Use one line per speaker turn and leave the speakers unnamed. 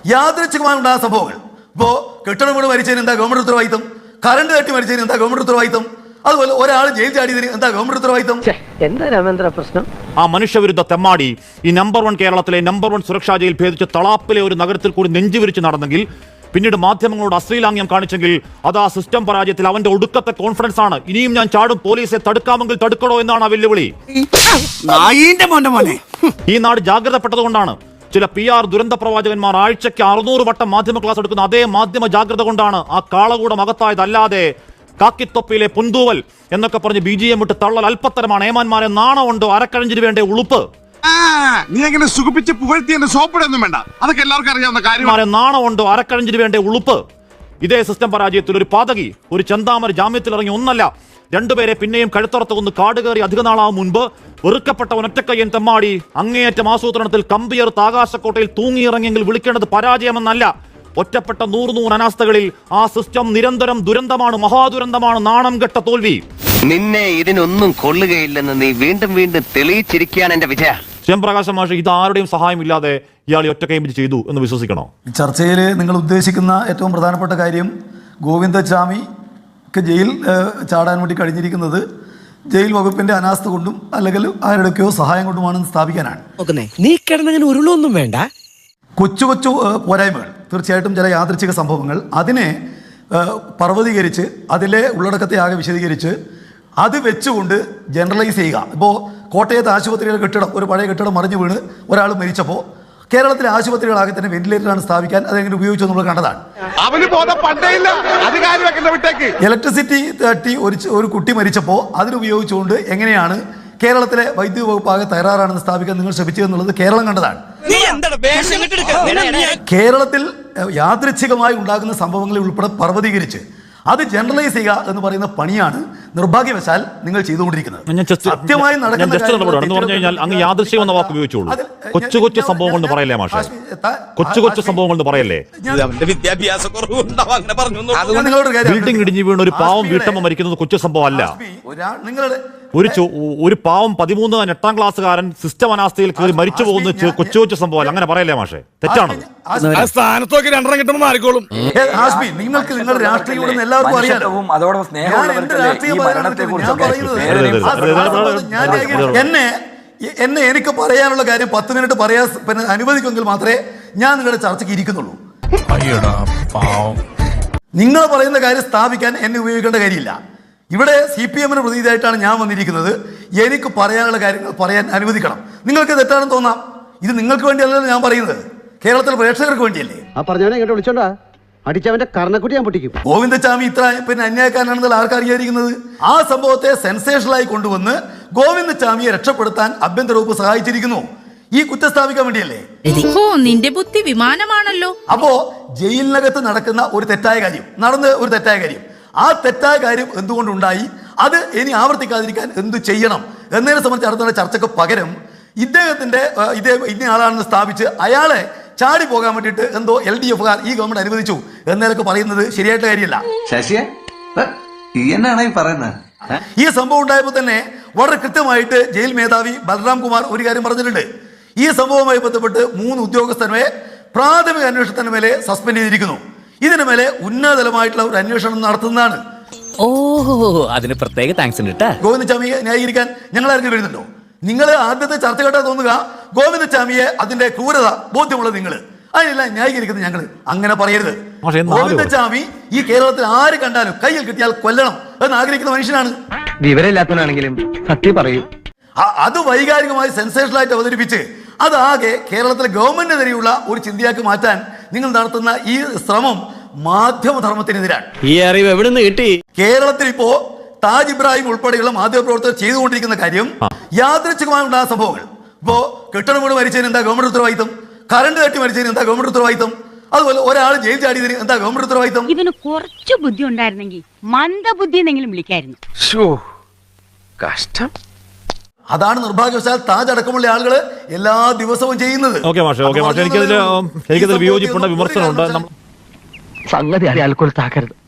യാദൃച്ഛികമായി ഉണ്ടായ സംഭവങ്ങൾ. ഇപ്പോൾ കെട്ടിടം വീട് മരിച്ചതിന് എന്താ ഗവൺമെന്റ് ഉത്തരവാദിത്തം? കറണ്ട് തട്ടി മരിച്ചതിന് എന്താ ഗവൺമെന്റ് ഉത്തരവാദിത്തം? അതുപോലെ ഒരാൾ ജയിൽ ചാടിയതിന് എന്താ ഗവൺമെന്റ് ഉത്തരവാദിത്തം?
എന്താ രാമേന്ദ്ര പ്രശ്നം?
ആ മനുഷ്യവിരുദ്ധ തെമ്മാടി ഈ നമ്പർ 1 കേരളത്തിലെ നമ്പർ 1 സുരക്ഷാ ജയിൽ ഭേദിച്ച് തളാപ്പിലെ ഒരു നഗരത്തിൽ കൂടി നെഞ്ചുവിരിച്ച് നടന്നെങ്കിൽ, പിന്നീട് മാധ്യമങ്ങളോട് അശ്ലീലാംഗ്യം കാണിച്ചെങ്കിൽ, അത് ആ സിസ്റ്റം പരാജയത്തിൽ അവന്റെ ഒടുക്കത്തെ കോൺഫിഡൻസ് ആണ്. ഇനിയും ഞാൻ ചാടും, പോലീസെ തടുക്കാമെങ്കിൽ തടുക്കണോ എന്നാണ് ആ വെല്ലുവിളി. ഈ നാട് ജാഗ്രതപ്പെട്ടതുകൊണ്ടാണ്. ചില PR ദുരന്ത പ്രവാചകന്മാർ ആഴ്ചയ്ക്ക് 600 വട്ടം മാധ്യമ ക്ലാസ് എടുക്കുന്ന അതേ മാധ്യമ ജാഗ്രത കൊണ്ടാണ് ആ കാളകൂടം അകത്തായതല്ലാതെ കാക്കിത്തൊപ്പിയിലെ പുന്തൂവൽ എന്നൊക്കെ പറഞ്ഞ് BGM വിട്ട് തള്ളൽ അല്പത്തരമാണ്. ഏമാന്മാരെ നാണമുണ്ടോ? അരക്കഴഞ്ചിന് വേണ്ട ഉളുപ്പ്.
നീ എങ്ങനെ സുഖിപ്പിച്ച് പുകഴ്ത്തി എന്നെ സോപ്പിടൊന്നും വേണ്ട, അതൊക്കെ എല്ലാവർക്കും അറിയാവുന്ന കാര്യമാണ്.
നാണമുണ്ടോ? അരക്കഴഞ്ചിന് വേണ്ട ഉളുപ്പ്. ഇതേ സിസ്റ്റം പരാജയത്തിൽ ഒരു പാതകി, ഒരു ചെന്താമര ജാമ്യത്തിൽ ഇറങ്ങി ഒന്നല്ല രണ്ടുപേരെ പിന്നെയും കഴുത്തറത്ത് കൊന്ന് കാടുകയറി അധിക നാളാവും മുൻപ് വെറുക്കപ്പെട്ട ഒറ്റക്കയ്യൻ തെമ്മാടി അങ്ങേയറ്റം ആസൂത്രണത്തിൽ കമ്പിയർത്ത് ആകാശക്കോട്ടയിൽ തൂങ്ങിയിറങ്ങിയെങ്കിൽ വിളിക്കേണ്ടത് പരാജയമെന്നല്ല. ഒറ്റപ്പെട്ട 100 അനാസ്ഥകളിൽ ആ സിസ്റ്റം നിരന്തരം ദുരന്തമാണ്, മഹാദുരന്തമാണ്, നാണം കെട്ട തോൽവി.
നിന്നെ ഇതിനൊന്നും കൊള്ളുകയില്ലെന്ന് നീ വീണ്ടും വീണ്ടും തെളിയിച്ചിരിക്കുകയാണ് എന്റെ വിജയ.
ശ്യാംപ്രകാശ് മാഷ്, ഇത് ആരുടെയും സഹായമില്ലാതെ ഇയാൾ ഒറ്റക്കൈ ചെയ്തു എന്ന് വിശ്വസിക്കണോ?
ചർച്ചയിൽ നിങ്ങൾ ഉദ്ദേശിക്കുന്ന ഏറ്റവും പ്രധാനപ്പെട്ട കാര്യം ഗോവിന്ദചാമിക്ക് ജയിൽ ചാടാൻ വേണ്ടി കഴിഞ്ഞിരിക്കുന്നത് ജയിൽ വകുപ്പിന്റെ അനാസ്ഥ കൊണ്ടും അല്ലെങ്കിൽ ആരുടെയൊക്കെയോ സഹായം കൊണ്ടുമാണെന്ന് സ്ഥാപിക്കാനാണ്.
നീ കിടന്നങ്ങനെ ഉരുളൊന്നും വേണ്ട.
കൊച്ചു കൊച്ചു പോരായ്മകൾ, തീർച്ചയായിട്ടും ചില യാദൃച്ഛിക സംഭവങ്ങൾ, അതിനെ പർവ്വതീകരിച്ച് അതിലെ ഉള്ളടക്കത്തെ ആകെ വിശദീകരിച്ച് അത് വെച്ചുകൊണ്ട് ജനറലൈസ് ചെയ്യുക. ഇപ്പോൾ കോട്ടയത്ത് ആശുപത്രിയുടെ കെട്ടിടം, ഒരു പഴയ കെട്ടിടം മറിഞ്ഞു വീണ് ഒരാൾ മരിച്ചപ്പോൾ കേരളത്തിലെ ആശുപത്രികളാകെ തന്നെ വെന്റിലേറ്ററാണ് സ്ഥാപിക്കാൻ അതെങ്ങനെ ഉപയോഗിച്ചു നമ്മൾ കണ്ടതാണ്. ഇലക്ട്രിസിറ്റി തട്ടി ഒരു കുട്ടി മരിച്ചപ്പോൾ അതിനുപയോഗിച്ചുകൊണ്ട് എങ്ങനെയാണ് കേരളത്തിലെ വൈദ്യുതി വകുപ്പ് ആകെ തയ്യാറാണെന്ന് സ്ഥാപിക്കാൻ നിങ്ങൾ ശ്രമിച്ചു എന്നുള്ളത് കേരളം കണ്ടതാണ്. കേരളത്തിൽ യാദൃച്ഛികമായി ഉണ്ടാകുന്ന സംഭവങ്ങളെ ഉൾപ്പെടെ പർവ്വതീകരിച്ച് അത് ജനറലൈസ് ചെയ്യുക എന്ന് പറയുന്ന പണിയാണ് നിർഭാഗ്യവശാൽ നിങ്ങൾ ചെയ്തുകൊണ്ടിരിക്കുന്നത്. സത്യമായി
അങ്ങ് യാദൃശ്യം എന്ന വാക്ക് ഉപയോഗിച്ചോളൂ. കൊച്ചു കൊച്ചു സംഭവങ്ങൾ എന്ന് പറയല്ലേ മാഷെ? കൊച്ചു കൊച്ചു സംഭവങ്ങൾ എന്ന് പറയല്ലേ? ബിൽഡിംഗ് ഇടിഞ്ഞു വീണ് ഒരു പാവം വീട്ടമ്മ മരിക്കുന്നത് കൊച്ചു സംഭവം അല്ല. ഒരു പാവം 8ാം ക്ലാസ്സുകാരൻ സിസ്റ്റം അനാസ്ഥയിൽ കയറി മരിച്ചു പോകുന്ന കൊച്ചു കൊച്ചു സംഭവം അങ്ങനെ പറയല്ലേ മാഷെ? തെറ്റാണ്.
നിങ്ങൾക്ക് നിങ്ങളുടെ രാഷ്ട്രീയം എല്ലാവർക്കും അറിയാലോ. എന്നെ എനിക്ക് പറയാനുള്ള കാര്യം 10 മിനിറ്റ് പറയാൻ അനുവദിക്കുമെങ്കിൽ മാത്രമേ ഞാൻ നിങ്ങളുടെ ചർച്ചയ്ക്ക് ഇരിക്കുന്നുള്ളൂ. നിങ്ങൾ പറയുന്ന കാര്യം സ്ഥാപിക്കാൻ എന്നെ ഉപയോഗിക്കേണ്ട കാര്യമില്ല. ഇവിടെ CPM-ന് പ്രതിനിധിയായിട്ടാണ് ഞാൻ വന്നിരിക്കുന്നത്. എനിക്ക് പറയാനുള്ള കാര്യങ്ങൾ പറയാൻ അനുവദിക്കണം. നിങ്ങൾക്ക് തെറ്റാണെന്ന് തോന്നാം, ഇത് നിങ്ങൾക്ക് വേണ്ടിയല്ലല്ലോ ഞാൻ പറയുന്നത്, കേരളത്തിലെ പ്രേക്ഷകർക്ക് വേണ്ടിയല്ലേ.
വിളിച്ചോണ്ടാ അടിച്ചവന്റെ കർണക്കുട്ടി ഞാൻ പൊട്ടിക്കും.
ഗോവിന്ദചാമി ഇത്ര അന്യായക്കാരനാണെന്നുള്ള ആർക്കറിയാതിരിക്കുന്നത്? ആ സംഭവത്തെ സെൻസേഷനായി കൊണ്ടുവന്ന് ഗോവിന്ദചാമിയെ രക്ഷപ്പെടുത്താൻ ആഭ്യന്തര വകുപ്പ് സഹായിച്ചിരിക്കുന്നു. ഈ കുറ്റം സ്ഥാപിക്കാൻ വേണ്ടിയല്ലേ?
നിന്റെ ബുദ്ധി വിമാനമാണല്ലോ.
അപ്പോ ജയിലിനകത്ത് നടക്കുന്ന ഒരു തെറ്റായ കാര്യം, ആ തെറ്റായ കാര്യം എന്തുകൊണ്ടുണ്ടായി, അത് ഇനി ആവർത്തിക്കാതിരിക്കാൻ എന്തു ചെയ്യണം എന്നതിനെ സംബന്ധിച്ച് നടത്തുന്ന ചർച്ചയ്ക്ക് പകരം ഇദ്ദേഹത്തിന്റെ ഇന്ന ആളാണെന്ന് സ്ഥാപിച്ച് അയാളെ ചാടി പോകാൻ വേണ്ടിയിട്ട് എന്തോ LDF-കാർ ഈ ഗവൺമെന്റ് അനുവദിച്ചു എന്നതൊക്കെ പറയുന്നത് ശരിയായിട്ട് കാര്യമല്ല. ഈ സംഭവം ഉണ്ടായപ്പോൾ തന്നെ വളരെ കൃത്യമായിട്ട് ജയിൽ മേധാവി ബൽറാം കുമാർ ഒരു കാര്യം പറഞ്ഞിട്ടുണ്ട്. ഈ സംഭവവുമായി ബന്ധപ്പെട്ട് 3 ഉദ്യോഗസ്ഥരെ പ്രാഥമിക അന്വേഷണത്തിന് മേലെ സസ്പെൻഡ് ചെയ്തിരിക്കുന്നു. ഇതിന് മേലെ ഉന്നതതലമായിട്ടുള്ള ഒരു അന്വേഷണം നടത്തുന്നതാണ്.
അതിന് പ്രത്യേക താങ്ക്സ് ഉണ്ട്.
ഗോവിന്ദചാമിയെ ന്യായീകരിക്കാൻ ഞങ്ങൾ ആരെങ്കിലും വരുന്നുണ്ടോ? നിങ്ങൾ ആദ്യത്തെ ചർച്ച കേട്ടാൽ തോന്നുക ഗോവിന്ദചാമിയെ അതിന്റെ ക്രൂരത ബോധ്യമുള്ളത് നിങ്ങൾ, അതിനെല്ലാം ന്യായീകരിക്കുന്നത് ഞങ്ങൾ. അങ്ങനെ പറയരുത്. ഗോവിന്ദചാമി ഈ കേരളത്തിൽ ആര് കണ്ടാലും കയ്യിൽ കിട്ടിയാൽ കൊല്ലണം എന്ന് ആഗ്രഹിക്കുന്ന മനുഷ്യനാണ്.
വിവരമില്ലാത്തവനാണെങ്കിലും സത്യം പറയൂ.
അത് വൈകാരികമായി സെൻസേഷനായിട്ട് അവതരിപ്പിച്ച് അതാകെ കേരളത്തിലെ ഗവൺമെന്റിനെതിരെയുള്ള ഒരു ചിന്തയാക്കി മാറ്റാൻ നിങ്ങൾ നടത്തുന്ന ഈ ശ്രമം മാധ്യമധർമ്മത്തിനെതിരാണ്.
ഈ അറിവ് എവിടെ നിന്ന് കിട്ടി?
കേരളത്തിൽ ഇപ്പോ താജ് ഇബ്രാഹിം ഉൾപ്പെടെയുള്ള മാധ്യമപ്രവർത്തകർ ചെയ്തുകൊണ്ടിരിക്കുന്ന കാര്യം യാദൃച്ഛികമായി ഉണ്ടായ സംഭവങ്ങൾ. ഇപ്പോ കെട്ടിടം വീട് മരിച്ചതിന് എന്താ ഗവൺമെന്റ് ഉത്തരവാദിത്തം? കറണ്ട് തട്ടി മരിച്ചതിന് എന്താ ഗവൺമെന്റ് ഉത്തരവാദിത്തം? അതുപോലെ ഒരാൾ ജയിൽ ചാടിയതിന് എന്താ ഗവൺമെന്റ് ഉത്തരവാദിത്തം?
ഇവന് കുറച്ച് ബുദ്ധി ഉണ്ടായിരുന്നെങ്കിൽ മന്ദബുദ്ധി എന്നെങ്കിലും വിളിക്കായിരുന്നു.
കഷ്ടം.
അതാണ് നിർഭാഗ്യവശാൽ താജ് അടക്കമുള്ള ആളുകൾ എല്ലാ ദിവസവും ചെയ്യുന്നത്.
എനിക്കതിൽ വിയോജിപ്പുണ്ട്, വിമർശനമുണ്ട്.
സംഗതി അയാൾക്കൊരു താക്കരുത്.